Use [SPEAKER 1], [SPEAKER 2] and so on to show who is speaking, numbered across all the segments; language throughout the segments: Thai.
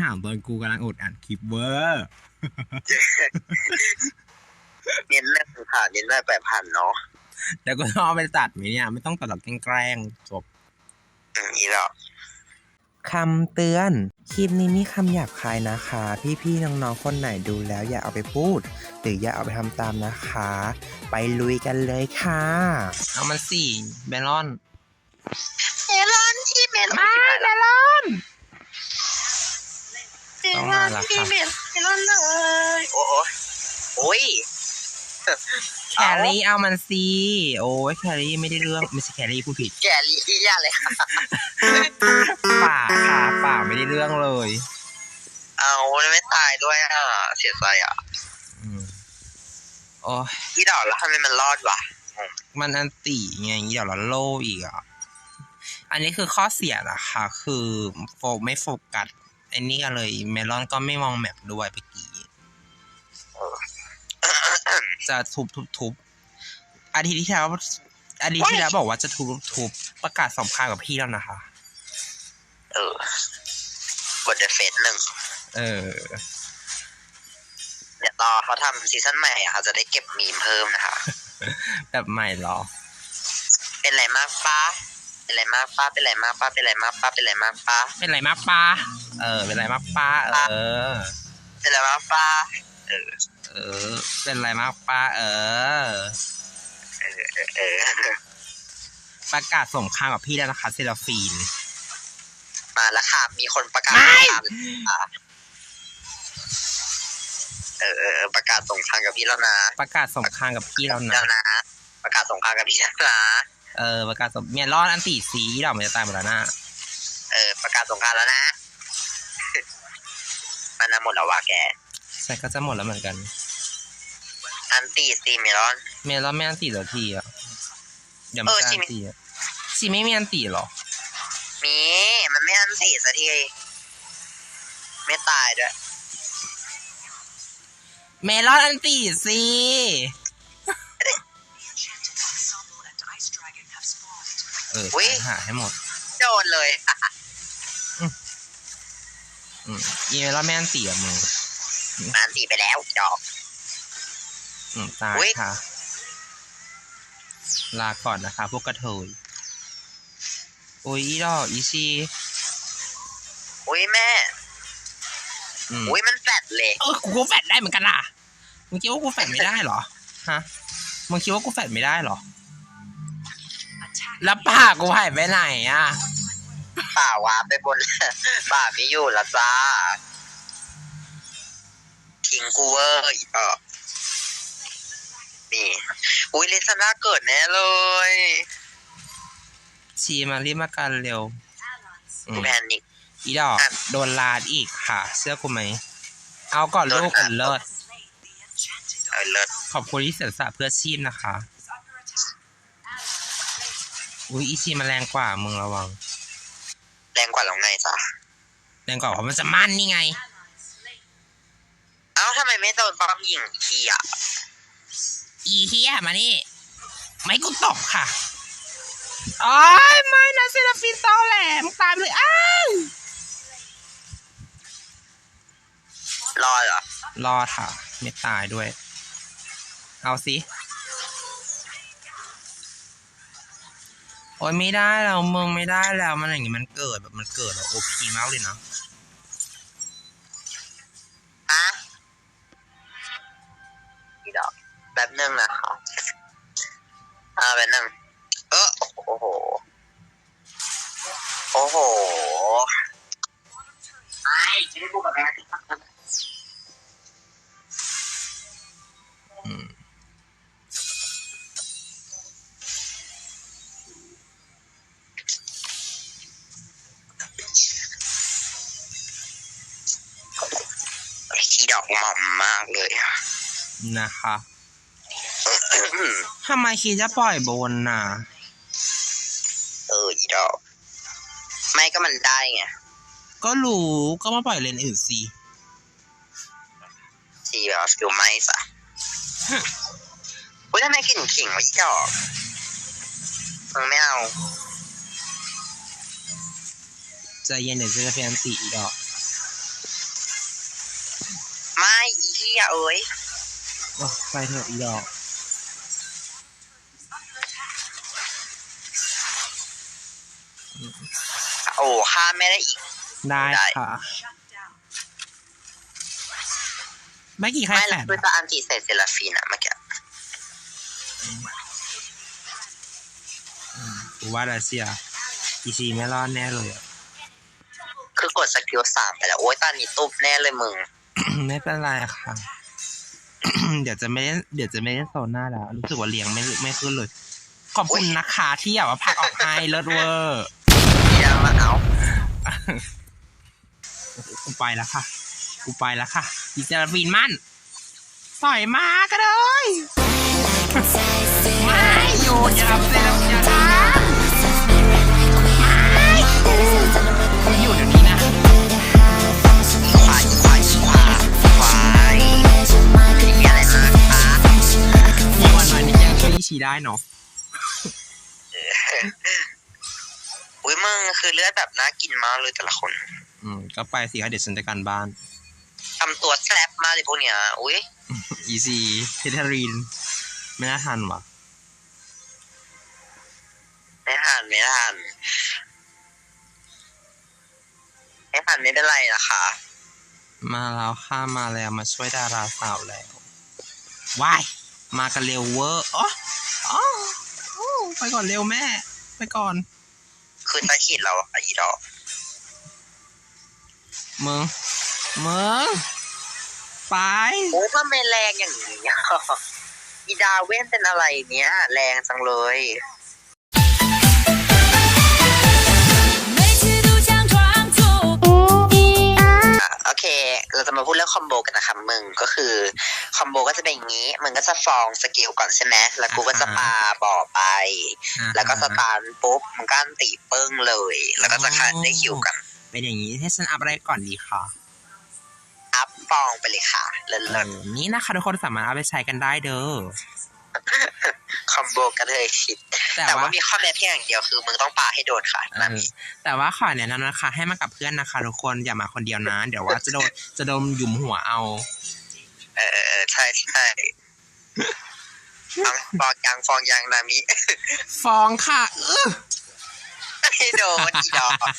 [SPEAKER 1] ามตอนกูกำลังอดอ่านคลิปเวอร์
[SPEAKER 2] เน้นเรื่องค่ะเน้นได้8,000เนาะ
[SPEAKER 1] แล้วก็ต้องเอาไปตัดไหมเนี่ยไม่ต้องตัดหรอกแกล้งจบ
[SPEAKER 2] นี่หรอ
[SPEAKER 3] คำเตือนคลิปนี้มีคำหยาบคายนะคะ พี่ๆน้องๆคนไหนดูแล้วอย่าเอาไปพูดหรืออย่าเอาไปทำตามนะคะ ไปลุยกันเลยค่ะ
[SPEAKER 1] เอามันสิเมลอน
[SPEAKER 2] ที่เมลอน
[SPEAKER 1] ไม่เมลอน
[SPEAKER 2] ต้องมาละค่ะเมลอนเลยโอ้ย
[SPEAKER 1] แครี่เอามันสิโอ้ยแครี่ไม่ได้เรื่องไม่ใช่แครี่พูดผิด
[SPEAKER 2] แครี่ยากเลยค่ะ
[SPEAKER 1] ป่าไม่ได้เรื่องเลย
[SPEAKER 2] เอาไม่ตายด้วยอ่ะเสียใจอ่ะ
[SPEAKER 1] โอ้ย
[SPEAKER 2] ที่ดอกแล้วทำไมมันรอดวะ
[SPEAKER 1] มันอันตีไงเดี๋ยวเราโล่อีกอ่ะอันนี้คือข้อเสียนะคะคือไม่โฟกัสไอ้นี่กันเลยเมลอนก็ไม่มองแมปด้วยเมื่อกี้จะทุบอาทิตย์ที่แล้วบอกว่าจะทุบประกาศสำคัญกับพี่แล้วนะคะ
[SPEAKER 2] กดเดฟ1เดี๋ยวต่อเขาทำซีซั่นใหม่อ่ะเขาจะได้เก็บมีมเพิ่มนะคะ
[SPEAKER 1] แบบใหม่หรอ
[SPEAKER 2] เป็นไรมากป้าเป็นไรมากป้าเป็นไรมากป้าเป็นไรมากป้าเป็นไรมากป้า
[SPEAKER 1] เป็นไรมากป้าเป็นไรมากป้า
[SPEAKER 2] เป็นไรมากป้า
[SPEAKER 1] เป็นไรมากป้าประกาศสงครามกับพี่แล้วนะคะเซราฟีน
[SPEAKER 2] มาแล้วค่ะมีคนประกาศประกาศสงครามกับพี่แล้วนะ
[SPEAKER 1] ประกาศสงครามกับพี่แล้วนะ
[SPEAKER 2] ประกาศสงครามกับพี่แล้วนะ
[SPEAKER 1] ประกาศเมียรอดอันตีสีเราไม่จะตายหมดแล้วนะ
[SPEAKER 2] ประกาศสงครามแล้วนะมันหมดแล้ววะแก
[SPEAKER 1] ใช่ก็จะหมดแล้วเหมือนกัน
[SPEAKER 2] อันตีสีเมลอน
[SPEAKER 1] ไม่อันตีเหรอทีอ่ะอย่ามาอันตีอ่ะชีไม่มีอันตีหรอ
[SPEAKER 2] มีมันไม่อันตีสักทีไม่ตายด้วย
[SPEAKER 1] เมลอนอันตีสิหาให้หมด
[SPEAKER 2] โดนเลย
[SPEAKER 1] อีเมลอนไม่อันตีอ่ะมึง
[SPEAKER 2] อันตีไปแล้วจอก
[SPEAKER 1] ตายค่ะลาก่อนนะคะพวกกระเทยโอ้ยอีดอกอีชี
[SPEAKER 2] โอ้ยแม่โอ้ยมันแฟดเลย
[SPEAKER 1] กูแฟดได้เหมือนกันล่ะมึงคิดว่ากูแฟดไม่ได้หรอฮะมึงคิดว่ากูแฟดไม่ได้หรอแล้วป่ากูหายไปไหนอ่ะ
[SPEAKER 2] ป่าวาไปบนป่าไม่อยู่ละจ้าทิ้งกูเวอร์นี่อุ้ยเลซาน่าเกิดแน่เลย
[SPEAKER 1] ชีมารีบมากันเร็ว
[SPEAKER 2] แพนิก
[SPEAKER 1] อีดอกโดนลาดอีกค่ะเสื้อกูไหมเอาก่อนลูกกันเลิศขอบคุณที่เสียสละเพื่อชีพนะคะอุ้ยอีชีมาแรงกว่ามึงระวัง
[SPEAKER 2] แรงกว่าแล้วไงจ๊ะ
[SPEAKER 1] แรงกว่าเพราะมันจะมั่นนี่ไง
[SPEAKER 2] เอ้าทำไมไม่โดนป้อมยิงทีอ่ะ
[SPEAKER 1] อีเฮียมานี่ไม่กูตกค่ะอ๋อไม่นะเซราฟินตอแหลมตายเลยอ้าว
[SPEAKER 2] รอเหรอ
[SPEAKER 1] รอค่ะไม่ตายด้วยเอาสิโอ้ยไม่ได้แล้วมึงไม่ได้แล้วมันอย่างงี้มันเกิดแบบมันเกิดแบบโอพีมากเลยนะ
[SPEAKER 2] อีดอกแบบนึงนะคะแบบนึงโอ้โหไม่ได้พูดกับแม่ที่ดอกหม่อมมากเลย
[SPEAKER 1] นะคะทำไมคิดจะปล่อยบนน่ะ
[SPEAKER 2] อีดอกไม่ก็มันได้ไง
[SPEAKER 1] ก็รู้ก็มาปล่อยเลนอื่นสิ
[SPEAKER 2] ทีแบบฟิลไม่สะทำไมกินขิงวะอีดอกมึงไม่เอา
[SPEAKER 1] ใจเย็นเดี๋ยวจะพยายามตีอีดอก
[SPEAKER 2] เหี้ยเอ้ย
[SPEAKER 1] ไปเถอะอีดอก
[SPEAKER 2] โอ้ฆ่าแม่ได้อีก
[SPEAKER 1] ได้ค่ะไม่กี่ใคร
[SPEAKER 2] ไม่
[SPEAKER 1] แฝ
[SPEAKER 2] ละ
[SPEAKER 1] ด
[SPEAKER 2] คือจะอันติใส่เซราฟีนอะเมื่อกี้
[SPEAKER 1] กูว่ารัสเซียอีซีไม่รอดแน่เลยอะ
[SPEAKER 2] คือกดสกิล3ไปแล้วโอ้ยตอนนี้ตุ๊บแน่เลยมึง
[SPEAKER 1] ไม่เป็นไรค่ะ เดี๋ยวจะไม่ได้โซนหน้าแล้ว รู้สึกว่าเลี้ยงไม่ขึ้นเลย ขอบคุณนะคะที่อยากว่าพักออกให้เลิศเวอร์
[SPEAKER 2] อย่ามาเอา
[SPEAKER 1] กูไปแล้วค่ะอีเซราฟีนมั่นต่อยมาก็เลยไม่อยู่อย่าทำเซราฟีนอย่าทำไม่อยู่เดี๋ยวนี้นะ
[SPEAKER 2] ควายมีอะไรมาคะ
[SPEAKER 1] มีวันหน่อยนี่ยังช่วยอีชีได้เนาะ
[SPEAKER 2] อุ้ยมึงคือเลือดแบบน่ากินมากเลยแต่ละคน
[SPEAKER 1] ก็ไปสิคะเดี๋ยวฉันจัดการบ้าน
[SPEAKER 2] ทำตัวแซ่บมากเลยพวกเนี้ยอุ้ย
[SPEAKER 1] อีซีเทเทอรีนไม่น่าทันว่ะ
[SPEAKER 2] ไม่ทันไม่เป็นไรนะคะ
[SPEAKER 1] มาแล้วค่ะมาแล้วมาช่วยดาราสาวแล้วว้ายมากันเร็วเวอร์อ๋อไปก่อนเร็วแม่ ไปก่อน
[SPEAKER 2] คือตะขีดเราอะอีดอก
[SPEAKER 1] มึงไป
[SPEAKER 2] โอ้ทำไมแรงอย่างนี้อะอีดาเว้นเป็นอะไรเนี้ยแรงจังเลย โอเค เราจะมาพูดเรื่องคอมโบกันนะคะมึงก็คือคอมโบก็จะเป็นอย่างนี้ มึงก็จะฟองสกิลก่อนใช่ไหมแล้วกูก็จะปาบ่อไป แล้วก็สตาร์ทปุ๊บมึงก็อันตีปึ้งเลย แล้วก็จะคัดได้คิวกัน
[SPEAKER 1] เป็นอย่างนี้ให้ฉันอัพอะไรก่อนดีคะ
[SPEAKER 2] อัพฟองไปเลยค่ะเลิศ
[SPEAKER 1] นี่นะคะทุกคนสามารถเอาไปใช้กันได้เด้อ
[SPEAKER 2] ๆคอมโบกันเลยคิด
[SPEAKER 1] แต่
[SPEAKER 2] แต่
[SPEAKER 1] ว่า
[SPEAKER 2] ว่ามีข้อแม้เพียงอย่างเดียวคือมึงต้องปาให้โดนค่ะนามิ
[SPEAKER 1] แต่ว่าขอแนะนำนะคะ ให้มากับเพื่อนนะคะทุกคนอย่ามาคนเดียวนะ เดี๋ยวว่าจะโดนหยุมหัวเอา
[SPEAKER 2] ใช่ฟองยางนามิ
[SPEAKER 1] ฟองค่ะ
[SPEAKER 2] ให้โดนอีดอก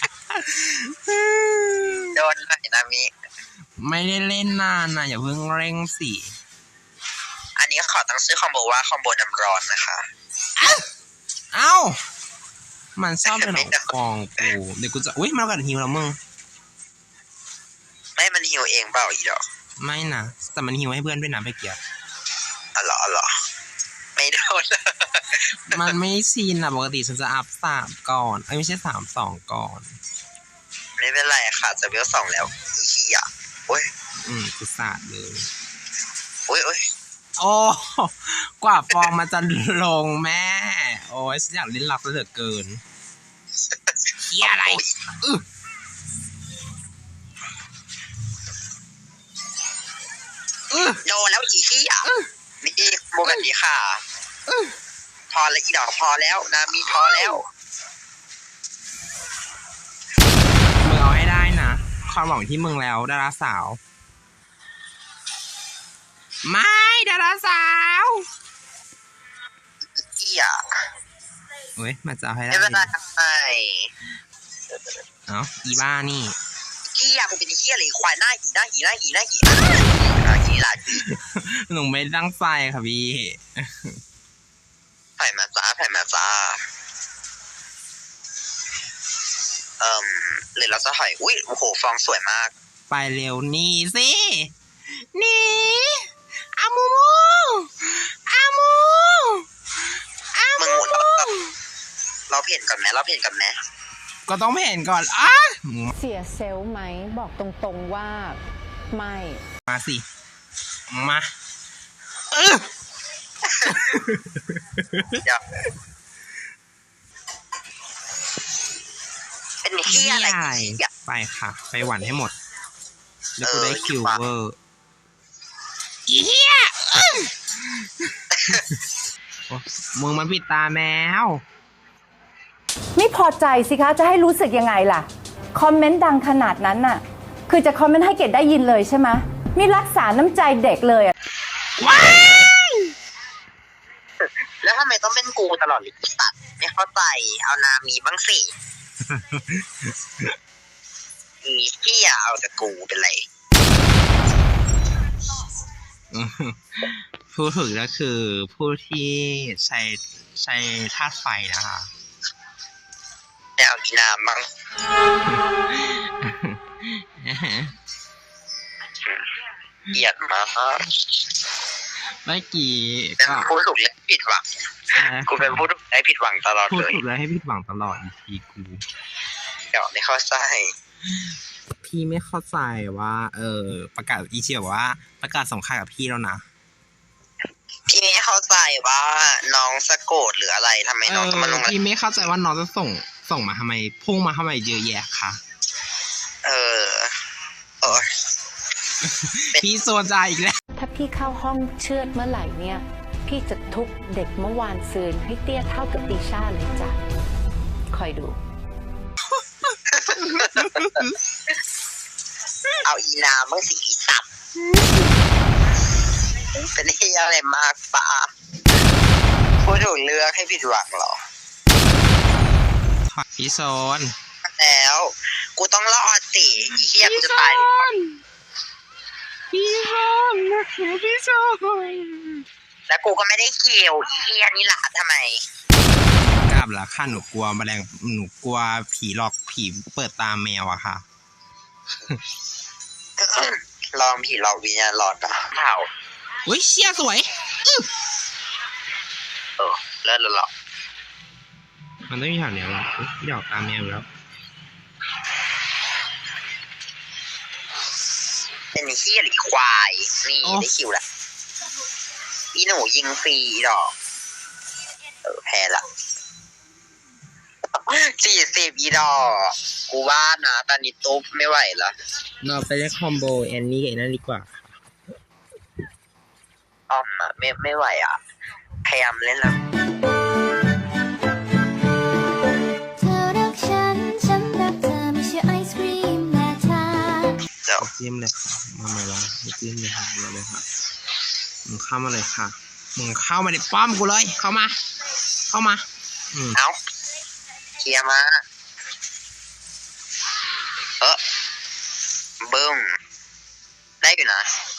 [SPEAKER 2] โดนหน่อยนามิ
[SPEAKER 1] ไม่ได้เล่นนานนะอย่าเพิ่งเร่งสิ
[SPEAKER 2] อันนี้ขอตั้งชื่อคอมโบว่าคอมโบน้ำร้อนนะคะ
[SPEAKER 1] เอ้า มันชอบเป็นหนองฟองกูเดี๋ยวกูจะอุ้ยมากัดหิวแล้วมึง
[SPEAKER 2] ไม่มันหิวเองเปล่าอีดอก
[SPEAKER 1] ไม่นะแต่มันหิวให้เพื่อนด้วยนะไปเกียร์
[SPEAKER 2] อ๋อเหรอไม่โดน
[SPEAKER 1] มันไม่ชินอะปกติฉันจะอัพ3ก่อนไม่ใช่3 2ก่อน
[SPEAKER 2] ไม่เป็นไรค่ะจะเวล2แล้วอีเหี้ยโอ้ย
[SPEAKER 1] กูสาดเลย
[SPEAKER 2] โอ้ย
[SPEAKER 1] โอ้กว่าฟองมันจะลงแม่ โอ้ยฉันอยากเล่นลับเหลือเกินเฮียอะไร
[SPEAKER 2] โดนแล้วอีเหี้ยนี่โมแบบนี้ค่ะพอแล้วอีดอกพอแล้วนามีพอแล้ว
[SPEAKER 1] มึงเอาให้ได้นะความหวังที่มึงแล้วดาราสาว ไม่ดาราสาว
[SPEAKER 2] เหี้ย
[SPEAKER 1] เฮ้ยมาจะเอาให้ได้
[SPEAKER 2] ไม่เป็นไรไม่
[SPEAKER 1] เอ้าอีบ้านี่
[SPEAKER 2] เหี้ยมึงเป็นเหี้ยเลยควายหน้าหีหีหลาด
[SPEAKER 1] หนูไม่ตั้งใจค่ะพี่
[SPEAKER 2] ถ่ายมาจ้าหรือเราจะถอยอุ้ยโอ้โหฟองสวยมาก
[SPEAKER 1] ไปเร็วนี่สินี่อามู
[SPEAKER 2] มึงเราเพ่นก่อนไหม
[SPEAKER 1] ก็ต้องเห็นก่อนอ่ะ
[SPEAKER 4] เสียเซลล์ไหมบอกตรงๆว่าไม่
[SPEAKER 1] มาสิมา
[SPEAKER 2] เดี๋ยวเป็นเหี้ยอะไรอีก
[SPEAKER 1] ไปค่ะไปหวันให้หมดแล้วกูได้คิวเวอร์อีเหี้ยมึงมันปิดตาแมว
[SPEAKER 4] ไม่พอใจสิคะจะให้รู้สึกยังไงล่ะ คอมเมนต์ดังขนาดนั้นน่ะ คือจะคอมเมนต์ให้เกดได้ยินเลยใช่ไหมนี่รักษาน้ำใจเด็กเลยอะ
[SPEAKER 2] แล้วทำไมต้องเป็นกูตลอดเลยตัดไม่เข้าใจเอานามีบ้างสิอีที่อย่าเอาแต่กูเป็นไร
[SPEAKER 1] ผู้ถูกก็คือผู้ที่ใช้ธาตุไฟนะคะ
[SPEAKER 2] แต่เอาอีนาบ้างเกลียดมาก
[SPEAKER 1] เมื่อกี้
[SPEAKER 2] เป็น
[SPEAKER 1] ก็
[SPEAKER 2] ผู้ถูกและผิดหวังกูเป็นผู้ถูกและผิดหวังตลอด
[SPEAKER 1] พูด
[SPEAKER 2] เลย
[SPEAKER 1] ถูกแล้วให้ผิดหวังตลอดอีพีกู
[SPEAKER 2] เดี๋ยวไม่เข้าใจ
[SPEAKER 1] พี่ไม่เข้าใจว่า ประกาศอีเชียบอกว่าประกาศสงครามกับพี่แล้วนะ
[SPEAKER 2] พี่ไม่เข้าใจว่าน้องสะโกดหรืออะไรทำไมน้องต้องมาลง
[SPEAKER 1] พี่ไม่เข้าใจว่าน้องจะส่งมาทำไมพุ่งมาทำไมเยอะแยะคะ
[SPEAKER 2] เออ
[SPEAKER 1] พี่โซนใจอีกแล้ว
[SPEAKER 4] ถ้าพี่เข้าห้องเชือดเมื่อไหร่เนี่ย พี่จะทุบเด็กเมื่อวานซืนให้เตี้ยเท่ากับตีชาเลยจ้ะ คอยดู
[SPEAKER 2] เอาอีนาเมื่อสีสับเป็นเฮียอะไรมากปะผู้ถูกเลือกให้ผิดหวังเหรอ
[SPEAKER 1] พี่โซน
[SPEAKER 2] แล้ว กูต้องรอดสิอีเฮียกูจะตาย
[SPEAKER 1] พี่โซนพี่โซน
[SPEAKER 2] แล้วกูก็ไม่ได้เกี่ยวอีเฮียนี่หละทำไม
[SPEAKER 1] กล้าบละค่ะหนูกลัวแมลงหนูกลัวผีหลอกผีเปิดตาแมวอะค่ะ
[SPEAKER 2] ลองผีหลอกวิญญาณหลอนนะเผา
[SPEAKER 1] อุ้ยเชี่ยสวย
[SPEAKER 2] เลิศแล้วหรอ
[SPEAKER 1] มันต้องมีแถวเนี้ยละหยอกตาแมวแล้ว
[SPEAKER 2] เป็นเฮียหรือควายนี่ได้คิวละอีหนูยิงฟรีดอกแพ้ละ40อีดอกกูว่านะตอนนี้ตุ๊บไม่ไหวละ
[SPEAKER 1] เราไปเล่นคอมโบแอนนี่กับนั่นดีกว่า
[SPEAKER 2] อ้อมอะไม่ไหวอ่ะพยายามเล่นแล้ว
[SPEAKER 5] เธอรักฉัน ฉันรักเธอไม่ใช่ไอศกรีมแม่ทา
[SPEAKER 2] เดี๋ยว
[SPEAKER 1] จิ้มเลยค่ะมาใหม่ละจิ้มเลยค่ะมาเลยค่ะมึงเข้ามาเลยค่ะมึงเข้ามาในป้อมกูเลยเข้ามาอืม
[SPEAKER 2] เอาเคลียร์มาบึ้มได้อยู่นะ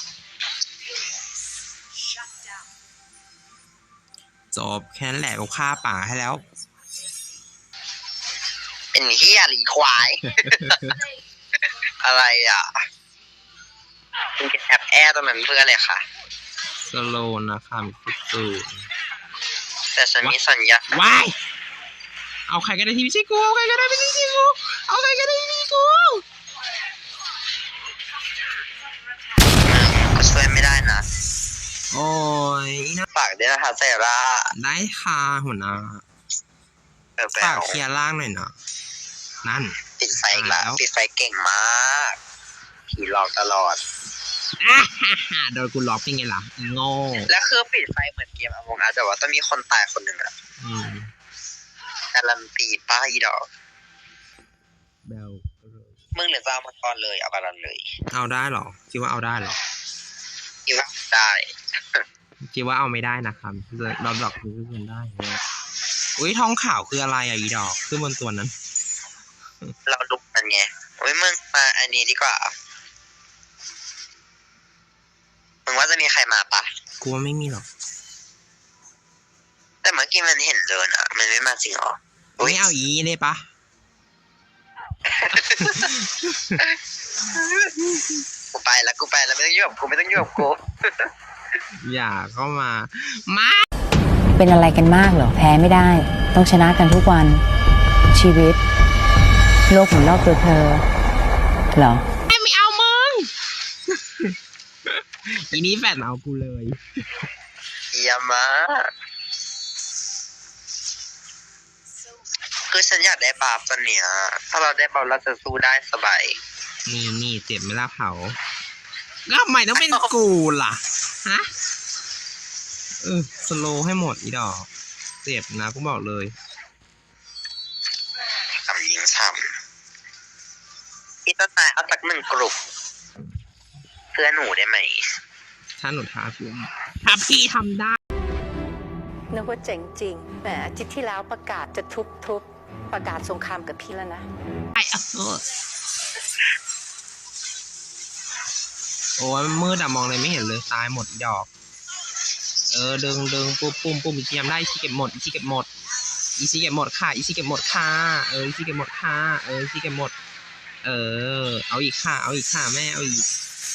[SPEAKER 1] จบแค่นั้นแหละกูฆ่าป่าให้แล้ว
[SPEAKER 2] เป็นเฮียหรือควาย อะไรอ่ะคุณจะแอบแอร์ตรงนั้นเพื่ออะไรคะ
[SPEAKER 1] สโลว์นะคะมีสูตร
[SPEAKER 2] แต่ฉันมีสัญญา
[SPEAKER 1] ว้ายเอาใครก็ได้ที่ไม่ใช่กูเอาใครก็ได้ไม่ใช่กูเอาใครก็ได้ที่ไม่ใช่กู
[SPEAKER 2] ก็ช่วยไม่ได้นะ
[SPEAKER 1] โอ้ยน่า
[SPEAKER 2] ฝากด้วยนะคะเซรา
[SPEAKER 1] ได้ค่ะหัวหน้า
[SPEAKER 2] แบ
[SPEAKER 1] ฝาก
[SPEAKER 2] บ
[SPEAKER 1] เคลียร์ล่างหน่อยนะนั่น
[SPEAKER 2] ปิดไฟอีกแล้วปิดไฟเก่งมากผีหลอกตลอด
[SPEAKER 1] โดนกูล็อกเป็นไงล่ะอีโง่
[SPEAKER 2] แล้วคือปิดไฟเหมือนเกมอมงอาแต่ว่าต้องมีคนตายคนหนึ่งอะ
[SPEAKER 1] อืม
[SPEAKER 2] การันตีป้าอีดอก
[SPEAKER 1] เบล
[SPEAKER 2] มึงเหลือจะเอามาก่อนเลยเอาบาลอนเลย
[SPEAKER 1] เอาได้เหรอคิดว่าเอาได้เหรอ
[SPEAKER 2] คิดว่าได้
[SPEAKER 1] คิดว่าเอาไม่ได้นะครับเราดอกคือขึ้นได้เนี่ยอุ้ยทองขาวคืออะไรอ่ะอีดอกขึ้นบนตัวนั้น
[SPEAKER 2] เราลุกมันไงโอ้ยมึงมาอันนี้ดีกว่ามึงว่าจะมีใครมาปะ
[SPEAKER 1] กูว่าไม่มีหรอก
[SPEAKER 2] แต่เมื่อกี้มันเห็นเดินอะมันไม่มาจริงหรอ
[SPEAKER 1] ไม่เอาอีได้ปะ
[SPEAKER 2] กูไปแล้วไม่ต้องยุ่งกับกูไม่ต้องยุ่งกับกู
[SPEAKER 1] อย่าเข้ามา
[SPEAKER 6] เป็นอะไรกันมากเหรอ แพ้ไม่ได้ ต้องชนะกันทุกวัน ชีวิต โลกหมุนรอบตัวเธอ เหรอ
[SPEAKER 1] ไม่เอามึง อีนี้แฟนเอากูเลย
[SPEAKER 2] เยี่ยมมากคือฉันอยากได้บาฟตอนเนี้ยถ้าเราได้บาฟเราจะสู้ได้สบาย
[SPEAKER 1] นี่เจ็บไหมล่ะเผาแล้วทำไมต้องเป็นกูล่ะ ฮะ สโลว์ให้หมดอีดอก เจ็บนะกูบอกเลย
[SPEAKER 2] ทำยิงซ้ำพี่ต้นไม้เอาสักหนึ่งกลุ่มสื้อหนูได้ไหม
[SPEAKER 1] ถ้าหนูท้าพี่ถ้าพี่ทำได้
[SPEAKER 4] นึกว่าเจ๋งจริงแหมอาทิตย์ที่แล้วประกาศจะทุบประกาศสงครามกับพี่แล้วนะ
[SPEAKER 1] โอ้ยมันมืดอะมองอะไรไม่เห็นเลยตายหมดดอกดึงปุ่มอีกทีทำได้อีกทีเก็บหมดอีกทีเก็บหมดอีกทีเก็บหมดค่ะอีกทีเก็บหมดค่ะอีกทีเก็บหมดค่ะอีกทีเก็บหมดเอาอีกค่ะเอาอีกค่ะแม่เอาอีก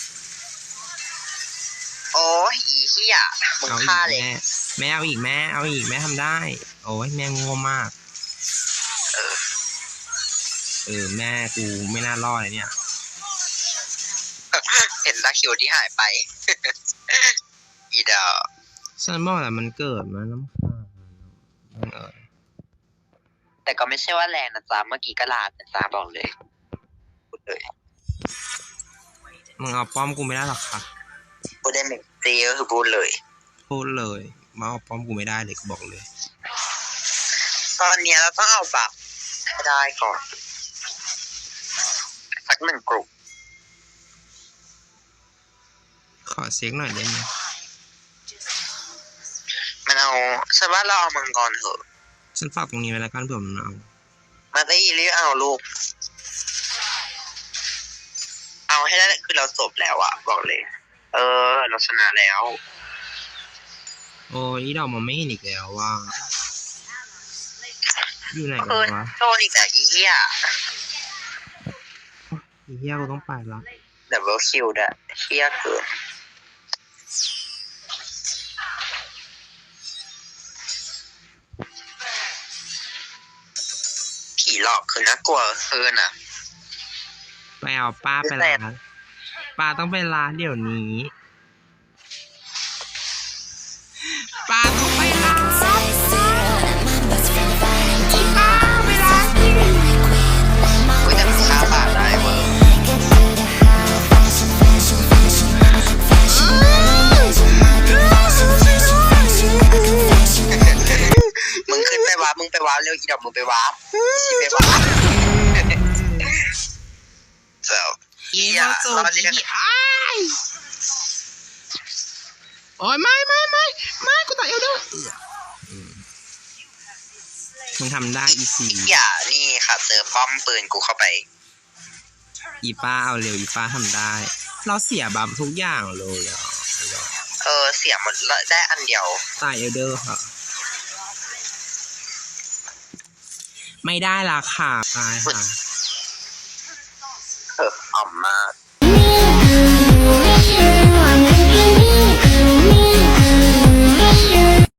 [SPEAKER 2] โอ้ยอีเหี้ยมึง
[SPEAKER 1] เอาอี
[SPEAKER 2] ฆ่าก เลย
[SPEAKER 1] แม่เอาอีกแม่เอาอีกแม่ทำได้โอ้ยแม่โง่มากแม่กูไม่น่ารอดเลยเนี่ย
[SPEAKER 2] เห็นตาคิวที่หายไป อีดอก
[SPEAKER 1] ฉันบอกแหละมันเกิดมาน้ำค้าง
[SPEAKER 2] แต่ก็ไม่ใช่ว่าแรงนะจ๊ะเมื่อกี้ก็ลาดนะจ๊ะบอกเลยพูดเลย
[SPEAKER 1] มึงเอาป้อมกูไม่ได้หรอกค่ะ
[SPEAKER 2] พูดได้ไม่จริงก็คือพูดเลย
[SPEAKER 1] พูดเลยมาเอาป้อมกูไม่ได้เลยกูบอกเลย
[SPEAKER 2] ตอนเนี้ยเราต้องเอาบัฟให้ได้ก่อนสักหนึ่งกลุ่ม
[SPEAKER 1] ขอเซ็กหน่อยได้ไหม
[SPEAKER 2] มันเอาฉันว่าเราเอามังกรเถอะ
[SPEAKER 1] ฉันฝากตรงนี้ไว้แล้วกันเผื่อมันเอา
[SPEAKER 2] มาได้อีรีเอาลูก เอาให้ได้คือเราจบแล้วอะบอกเลย เราชนะแล้ว
[SPEAKER 1] โอ้ยดอกมันไม่เห็นอีกแล้วว่าอยู่ไหนกันวะ
[SPEAKER 2] โทษอีกแล้วอีเหี้ย
[SPEAKER 1] อีเหี้ยกูต้องไปละ
[SPEAKER 2] ดับเบิลคิวด่ะเหี้ยเกินผีหลอกคือน่ากลัวเกินอ่ะ
[SPEAKER 1] ไปเอาป้าไปร้านป้าต้องไปร้านเดี๋ยวนี้ป้าต้องไปร้าน
[SPEAKER 2] อุ้ยแต่มันฆ่าบาดได้เว้ยมึงขึ้นไปวาร์ปมึงไปวาร์ปเร็วอีดอกมึงไปวาร์ปอีไปวาร์ปเจ้า
[SPEAKER 1] อีโมโจอีโอ้ยไม่กูต่อยเอวด้วยมึงทำได้อีซี
[SPEAKER 2] อย่านี่ค่ะเจอป้อมปืนกูเข้าไป
[SPEAKER 1] อีป้าเอาเร็วอีป้าทำได้ เราเสียบัมทุกอย่างเลยอ่ะ
[SPEAKER 2] เสียหมดแล้วได้อันเดียว
[SPEAKER 1] ตายเอลเดอร์ค่ะ ไม่ได้ละค่ะตายค่ะ
[SPEAKER 2] อ่อมมาก